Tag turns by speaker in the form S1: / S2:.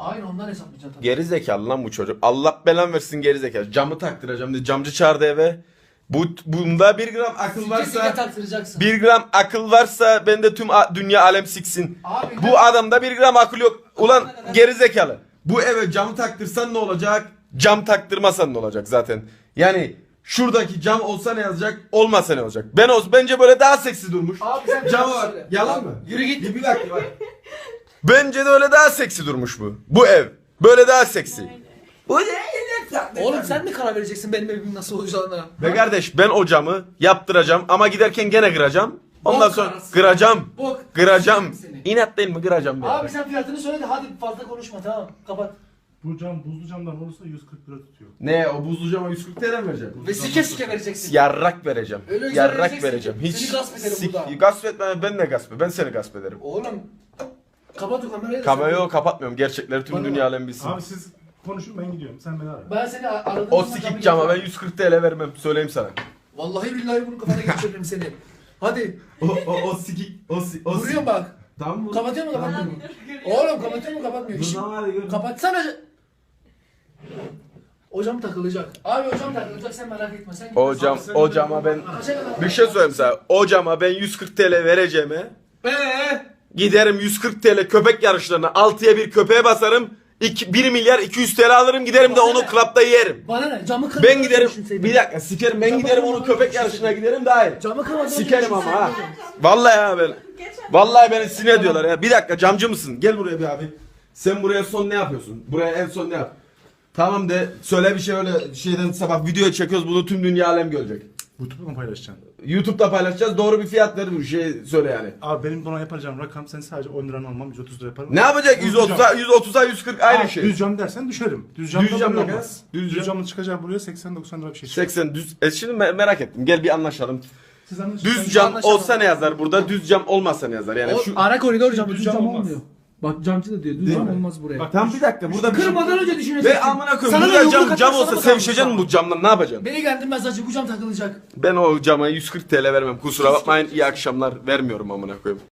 S1: Aynı ondan hesaplayacaksın tabii.
S2: Geri zekalı lan bu çocuk. Allah belan versin geri zekalı. Camı taktıracağım diye camcı çağırdı eve. Bunda 1 gram akıl
S1: Sike
S2: varsa
S1: taktıracaksın.
S2: 1 gram akıl varsa bende tüm dünya alem siksin.
S1: Abi,
S2: Bu adamda 1 gram akıl yok. Ulan geri zekalı. Bu eve camı taktırsan ne olacak? Cam taktırmasan ne olacak zaten? Yani şuradaki cam olsa ne yazacak? Olmasa ne olacak? Bence böyle daha seksi durmuş.
S1: Abi sen
S2: Cam
S1: bir
S2: var.
S1: söyle.
S2: Yalan mı?
S1: Yürü git.
S2: Bir dakika bak. Bence de öyle daha seksi durmuş bu. Bu ev. Böyle daha seksi. Bu ne?
S1: Oğlum sen mi karar vereceksin benim evimin nasıl olacağına?
S2: Ve kardeş ben o camı yaptıracağım ama giderken gene kıracağım. Ondan
S1: Bok
S2: sonra
S1: arası.
S2: kıracağım.
S1: Bok.
S2: Kıracağım.
S1: Seni.
S2: İnat değil mi kıracağım ben.
S1: Abi sen fiyatını söyle de hadi fazla konuşma tamam kapat.
S3: Bu cam buzlu camdan olursa 140 lira tutuyor.
S2: Ne o buzlu cama 140 TL mi vereceğim?
S1: Ve sike vereceksin.
S2: Yarrak vereceğim.
S1: Öyle güzel
S2: Yarrak
S1: vereceksin
S2: vereceğim.
S1: ki
S2: Hiç
S1: seni gasp ederim burada.
S2: gasp etme ben de gasp ederim. Ben seni gasp ederim.
S1: Oğlum kapat o kamerayı da
S2: Kamerayı
S1: söyle.
S2: kapatmıyorum. Gerçekleri tüm
S1: Bana
S2: dünya
S1: bak.
S2: alem bilsin.
S3: Abi siz konuşun ben gidiyorum. Sen beni ara.
S1: Ben seni aradım.
S2: O sikik cama ben 140 TL vermem. Söyleyeyim sana.
S1: Vallahi billahi bunu kafana geçiririm seni. Hadi.
S2: O sikik.
S1: Vuruyorum bak.
S2: Tamam mı?
S1: Kapatıyor mu kapatmıyor mu? Oğlum kapatıyor mu kapatmıyor mu?
S2: hadi gör.
S1: Kapatsana. O cam takılacak. Abi o cam takılacak sen merak etme. Sen
S2: O cama ben
S1: Kaça kadar?
S2: bir şey söyleyeyim sana. O cama ben 140 TL vereceğime giderim 140 TL köpek yarışlarına 6'ya 1 köpeğe basarım. 1 milyar 200 TL alırım giderim de
S1: Bana
S2: onu
S1: ne?
S2: klapta yerim.
S1: Bana ne? Camı kırma.
S2: Ben giderim bir dakika sikerim ben
S1: Camı
S2: giderim
S1: kırma,
S2: onu köpek
S1: kırma.
S2: yarışına giderim daha iyi.
S1: Camı kırma.
S2: Sikerim ama ha. Vallahi ya ben. Vallahi beni sinir ediyorlar ya. Bir dakika camcı mısın? Gel buraya bir abi. Sen buraya son ne yapıyorsun? Buraya en son ne yap? Tamam de söyle bir şey öyle şeyden sabah video çekiyoruz bunu tüm dünya alem görecek.
S3: YouTube'da mı paylaşacaksın?
S2: YouTube'da paylaşacağız doğru bir fiyat ver bir şey söyle yani.
S3: Abi benim buna yapacağım rakam sen sadece 10 liranı almam 130 lira yaparım.
S2: Ne yapacak? 130'a 140 aynı şey.
S3: Düz cam dersen düşerim. Düz
S2: Düz
S3: cam
S2: cam
S3: da
S2: ne
S3: olmaz.
S2: kadar? Düz
S3: Düz
S2: cam.
S3: camın çıkacağı buraya 80-90 lira bir şey çıkar.
S2: 80 düz. Şimdi merak ettim. Gel bir anlaşalım.
S3: Siz anlaşın.
S2: Düz cam olsa ne yazar burada? Düz cam olmasa ne yazar? Yani şu
S1: Ara koridor camı
S3: Düz
S1: düz
S3: cam
S1: cam
S3: olmaz.
S1: olmuyor. Bak camcı da diyor düz
S2: Değil
S1: cam
S2: mi?
S1: olmaz buraya.
S3: Bak,
S2: Tam bir dakika burada bir
S1: Kırmadan önce düşüneceksin.
S2: Ve amına koyayım
S1: Sana
S2: burada
S1: ne,
S2: cam
S1: yumruk
S2: cam
S1: atarsan
S2: olsa
S1: mı
S2: sevişeceksin
S1: kalmış
S2: bu camdan ne yapacaksın?
S1: Beni geldirmez acı bu cam takılacak.
S2: Ben o cama 140 TL vermem. Kusura bakmayın. İyi akşamlar vermiyorum amına koyayım.